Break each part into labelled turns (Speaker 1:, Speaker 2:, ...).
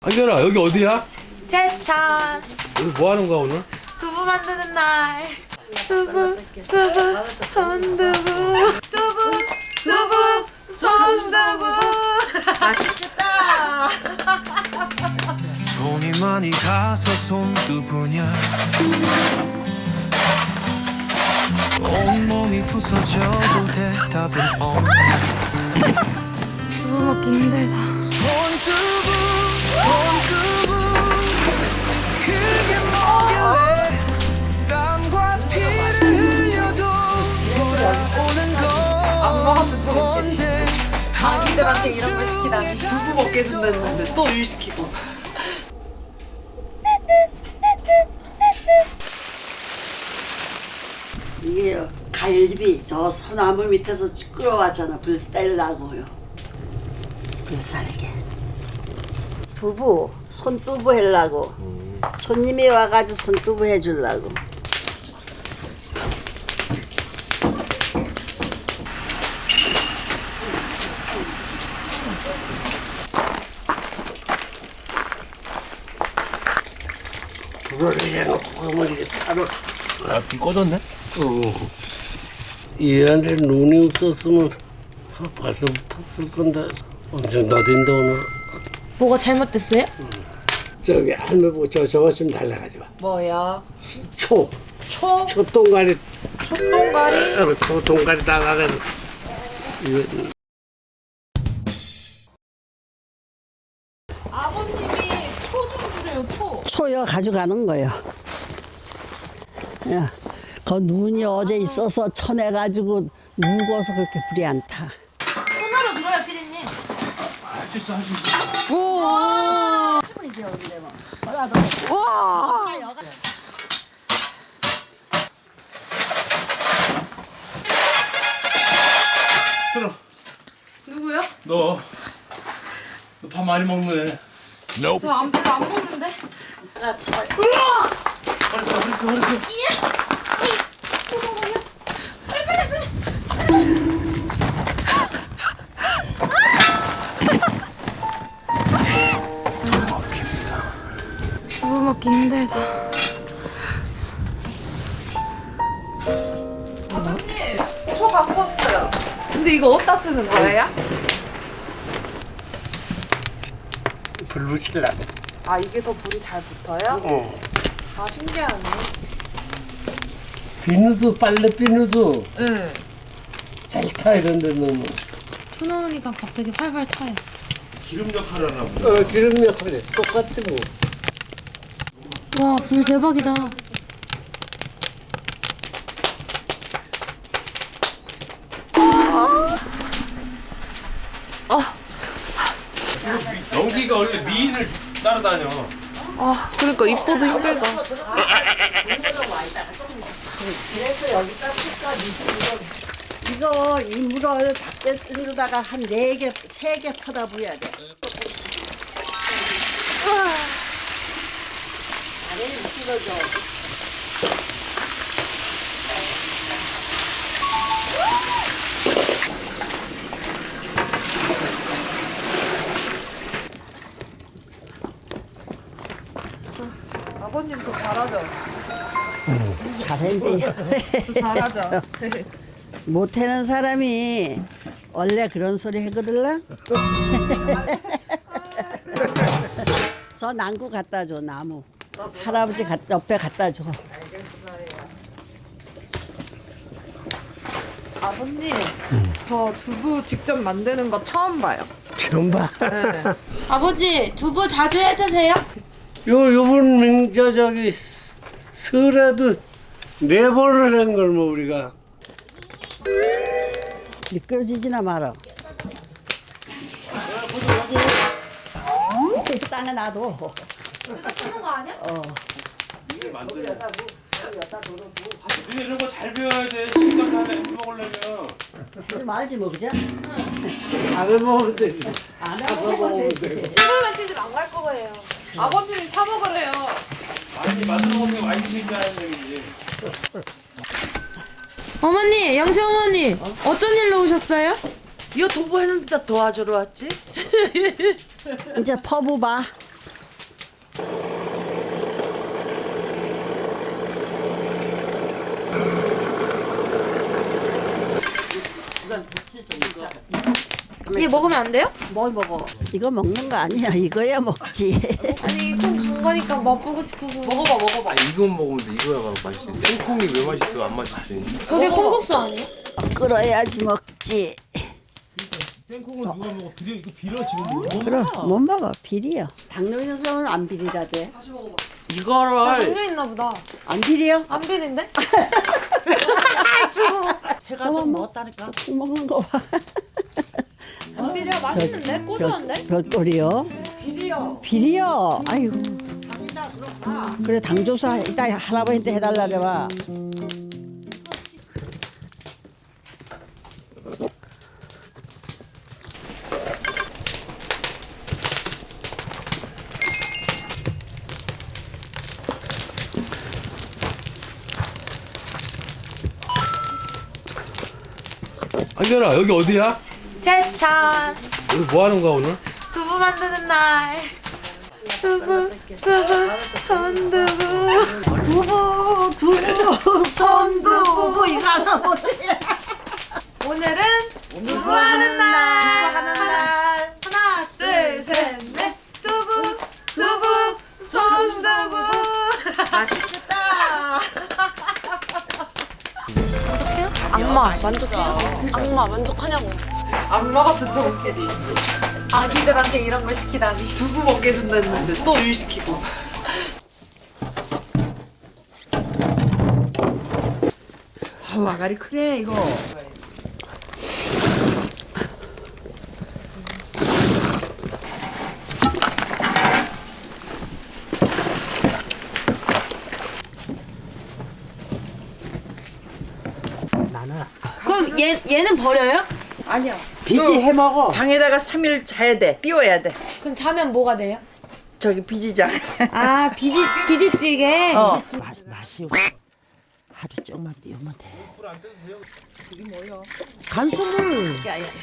Speaker 1: 안견아 여기 어디야?
Speaker 2: 제천
Speaker 1: 여기 뭐 하는 거야 오늘?
Speaker 2: 두부 만드는 날 두부 손두부 두부 손두부 맛있겠다.
Speaker 3: 손이 많이 가서 손두부냐 온몸이 부서져도 대답은 없냐
Speaker 2: 두부 먹기 힘들다.
Speaker 3: 손두부 그게 뭐길래 땀과 피를 흘려도 돌아오는 건 뭔데
Speaker 2: 아기들한테 이런 걸 시키다니. 두부 먹게 해준다는데 또 일 시키고.
Speaker 4: 이게 갈비 저 소나무 밑에서 끌어왔잖아. 불 떼려고요. 불 살게. 두부 손두부 하려고. 손님이 와가지고 손두부 해주려고. 불을 해놓고 그러면 이게 따로.
Speaker 1: 불 꺼졌네?
Speaker 5: 얘한테 눈이 없었으면 벌써 탔을 건데 엄청 더딘데 오늘.
Speaker 2: 뭐가 잘못됐어요?
Speaker 5: 저기 할머니 보고 저거 좀 달라가지고.
Speaker 2: 뭐야?
Speaker 5: 초
Speaker 2: 초?
Speaker 5: 초동가리
Speaker 2: 촛동가리?
Speaker 5: 초동가리 다가가지고 이거
Speaker 2: 아버님이 초 좀 주세요. 초.
Speaker 4: 초여 가져가는 거예요. 야, 그 눈이 어제 있어서 쳐내가지고 무거워서 그렇게 불이 안 타.
Speaker 2: 손으로 들어요, 피디님.
Speaker 1: 할 수 있어 할 수 있어.
Speaker 2: 오. 와.
Speaker 1: 들어.
Speaker 2: 누구요?
Speaker 1: 너 밥 많이 먹네.
Speaker 2: 저안 먹는데. 두부 먹기 힘들다. 아버님, 초 갖고 왔어요. 근데 이거 어디다 쓰는 거예요?
Speaker 5: 불 붙이려고.
Speaker 2: 아, 이게 더 불이 잘 붙어요? 아, 신기하네.
Speaker 5: 비누도 빨래 비누도
Speaker 2: 응.
Speaker 5: 잘 타 이런데 너무.
Speaker 2: 쳐놓으니까 갑자기 활활 타요.
Speaker 1: 기름 역할을 하나 보네.
Speaker 5: 기름 역할이 똑같지 뭐.
Speaker 2: 와, 불 대박이다.
Speaker 1: 연기가 원래 미인을 따라다녀.
Speaker 2: 아, 그러니까 입보도 힘들다.
Speaker 4: 그래서 여기다 이거 이물을 밖에 쓰다가 한 4개, 3개 퍼다 부어야 돼. 아래 미끄러져.
Speaker 2: 아버님 저 잘하죠?
Speaker 4: 잘했네.
Speaker 2: 저 잘하죠?
Speaker 4: 못하는 사람이 원래 그런 소리 하거들라. 저 난구 갖다 줘, 나무. 할아버지 옆에 갖다 줘.
Speaker 2: 아버님, 저 두부 직접 만드는 거 처음 봐요.
Speaker 5: 처음 봐.
Speaker 2: 네. 아버지, 두부 자주 해 드세요?
Speaker 5: 요번 명저 저기 설에도 4번을 한 걸 뭐 우리가.
Speaker 4: 미끄러지지나 말아. 땅에 놔둬.
Speaker 2: 여기다 쓰는 거 아니야?
Speaker 1: 근데 이런 거 잘 배워야 돼. 식당 가서 햄 먹으려면.
Speaker 4: 하지 말지 뭐 그죠?
Speaker 5: 안 해먹으면 되지.
Speaker 4: 안 해먹으면 되지.
Speaker 2: 시골에 시집 안 갈 거예요. 아버님이 사 먹으래요.
Speaker 1: 아니 만들어 먹는 게 많이 드신다는 얘기지.
Speaker 2: 어머니, 영시 어머니, 어쩐 일로 오셨어요?
Speaker 6: 이거 도보했는데 도와주러 왔지?
Speaker 4: 이제 퍼부 봐.
Speaker 2: 이게 먹으면 안 돼요?
Speaker 4: 뭘 먹어? 이거 먹는 거 아니야. 이거야 먹지.
Speaker 2: 아니 콩 간 거니까 맛보고 싶어서. 먹어봐.
Speaker 1: 아 이건 먹으면 돼. 이거야 맛있어. 생콩이 왜 맛있어? 안 맛있지.
Speaker 2: 저게 콩국수 아니에요?
Speaker 4: 끓어야지 먹지.
Speaker 1: 생콩을 누가 먹어? 이거 비려 지금.
Speaker 4: 그럼 못 먹어. 비리요. 당뇨 있는 사람은 안 비리다대.
Speaker 2: 나 당뇨 있나 보다.
Speaker 4: 안 비리요?
Speaker 2: 안 비린데?
Speaker 4: 해가 좀 먹었다니까. 콩 먹는 거 봐.
Speaker 2: 안 비려. 맛있는데? 고소한데?
Speaker 4: 별꼴이요? 비리요. 아이고. 그래 당조사 이따 할아버지한테 해달라 그래봐.
Speaker 1: 한결아 여기 어디야?
Speaker 2: 제찬
Speaker 1: 여기 뭐 하는 거야 오늘?
Speaker 2: 두부 만드는 날. 두부 손두부.
Speaker 4: 두부 손두부 이거 하나 못해.
Speaker 2: 오늘은 두부 하는 날. 하나 둘 셋 넷. 두부 손두부.
Speaker 4: 맛있겠다.
Speaker 2: 악마 만족해요? 악마 만족하냐고. 악마 같은 저게. 아기들한테 이런 걸 시키다니. 두부 먹게 해준다는데 또 일 시키고.
Speaker 6: 와가리 크네 이거.
Speaker 2: 그럼 얘는 버려요?
Speaker 6: 아니야.
Speaker 4: 비지 해 먹어.
Speaker 6: 방에다가 3일 자야 돼. 띄워야 돼.
Speaker 2: 그럼 자면 뭐가 돼요?
Speaker 6: 저기 비지장.
Speaker 2: 아 비지찌개.
Speaker 4: 맛이 하루 조금만 띄우면 돼. 이게 뭐야? 간수물.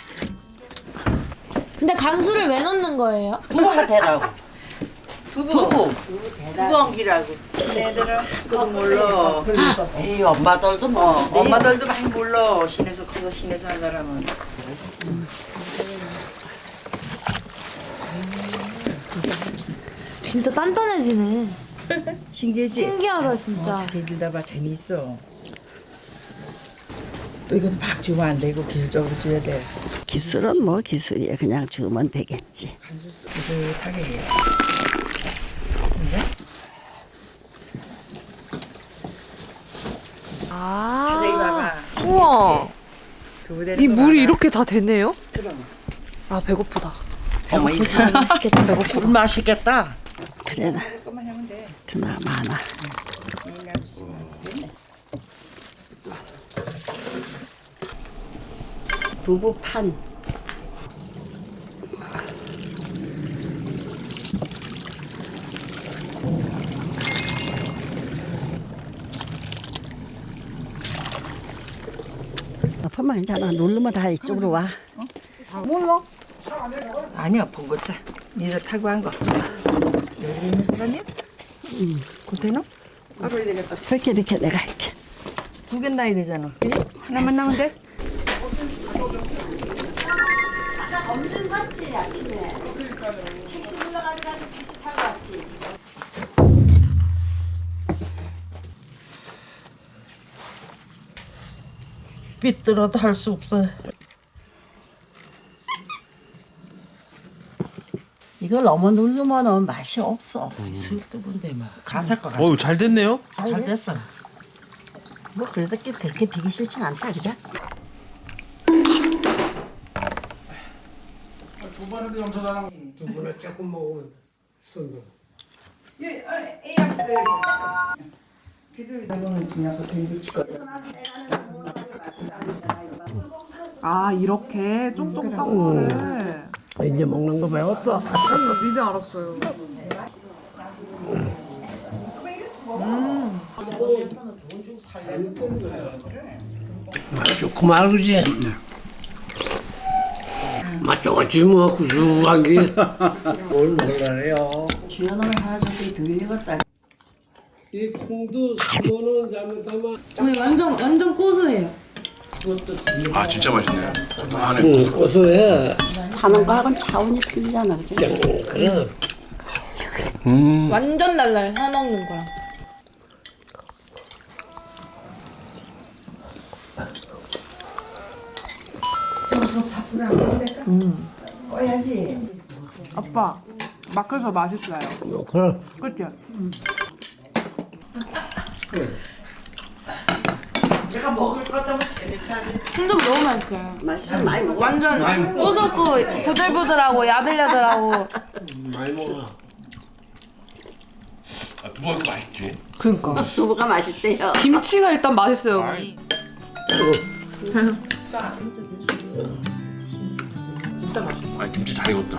Speaker 2: 근데 간수를 왜 넣는 거예요?
Speaker 6: 두부가 되라고. 두부 엉기라고. 시내들은 그도 몰라. 에이 엄마들도 뭐. 엄마들도 많이 몰라. 시내에서 커서 시내 사는 사람은.
Speaker 2: 진짜 단단해지네.
Speaker 6: 신기하지?
Speaker 2: 신기하다 진짜.
Speaker 6: 자세히 들다봐 재미있어. 또 이것도 막 주면 안 되고 기술적으로 줘야 돼.
Speaker 4: 기술은 뭐 기술이야. 그냥 주면 되겠지.
Speaker 6: 비슷하게 해. 자세히 봐봐.
Speaker 2: 우와.
Speaker 6: 이
Speaker 2: 물이 이렇게 다 되네요?
Speaker 6: 그럼.
Speaker 2: 아 배고프다.
Speaker 6: 맛있겠다. 배고프다. 맛있겠다.
Speaker 4: 그래 나
Speaker 6: 조금만 하면 돼.
Speaker 4: 그나 많아. 두부판. 아파만 괜찮아. 누르면 다 이쪽으로 와. 몰라.
Speaker 6: 아니야 봉고차. 니들 타고 한 거. 요즘 있는 사람이야? 컨테이너? 그래야 되겠다.
Speaker 4: 그렇게 이렇게 내가 할게.
Speaker 6: 두 개 나야 되잖아. 그지? 하나만 나면 돼?
Speaker 4: 엄청 갔지 아침에. 택시 불러가지고 택시 타고 왔지.
Speaker 6: 삐뚤어도 할 수 없어.
Speaker 4: 이걸 너무 누르면 맛이 없어.
Speaker 6: 슬뚜분데 뭐 가사가
Speaker 1: 어우 잘 됐네요.
Speaker 6: 잘 됐어.
Speaker 4: 뭐 그래도 그렇게 비기 싫진 않다 그죠?
Speaker 5: 두부는 조금 먹으면 손도.
Speaker 7: 아 이렇게 쫑쫑 싼 거를
Speaker 5: 이제 먹는 거 배웠어.
Speaker 7: 이제 알았어요.
Speaker 5: 맛 좋고 말그지. 맛 좋지 뭐 구수한 게. 뭘 먹으래요?
Speaker 4: 시원한 하나 저기 들리겠다.
Speaker 5: 이 콩도 3만 원 잘못하면
Speaker 8: 완전 고소해요.
Speaker 9: 아 진짜 맛있네.
Speaker 5: 고소해.
Speaker 4: 사는 거하고는 차원이 틀리잖아, 그치?
Speaker 5: 그래.
Speaker 8: 완전 달라요. 사 먹는 거랑.
Speaker 7: 아빠 막혀서 맛있어요.
Speaker 5: 그래.
Speaker 7: 그치?
Speaker 6: 내가 먹을 거다면 재밌잖아.
Speaker 8: 순두부 너무 맛있어요.
Speaker 4: 맛있어, 많이 먹어.
Speaker 8: 완전 고소고 부들부들하고 야들야들하고.
Speaker 5: 많이 먹어.
Speaker 9: 아, 두부가 이렇게 맛있지?
Speaker 7: 그니까
Speaker 4: 두부가 맛있대요.
Speaker 7: 김치가 일단 맛있어요 어머니.
Speaker 9: 아 김치 잘 익었다.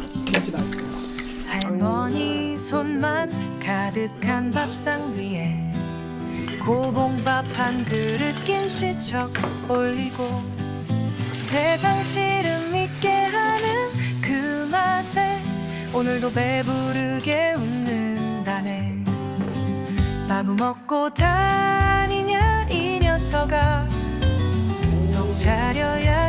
Speaker 10: 할머니 손만 가득한 밥상 위에 고봉밥 한 그릇 김치척 올리고 세상 시름 있게 하는 그 맛에 오늘도 배부르게 웃는다네. 밥을 먹고 다니냐 이 녀석아 속 차려야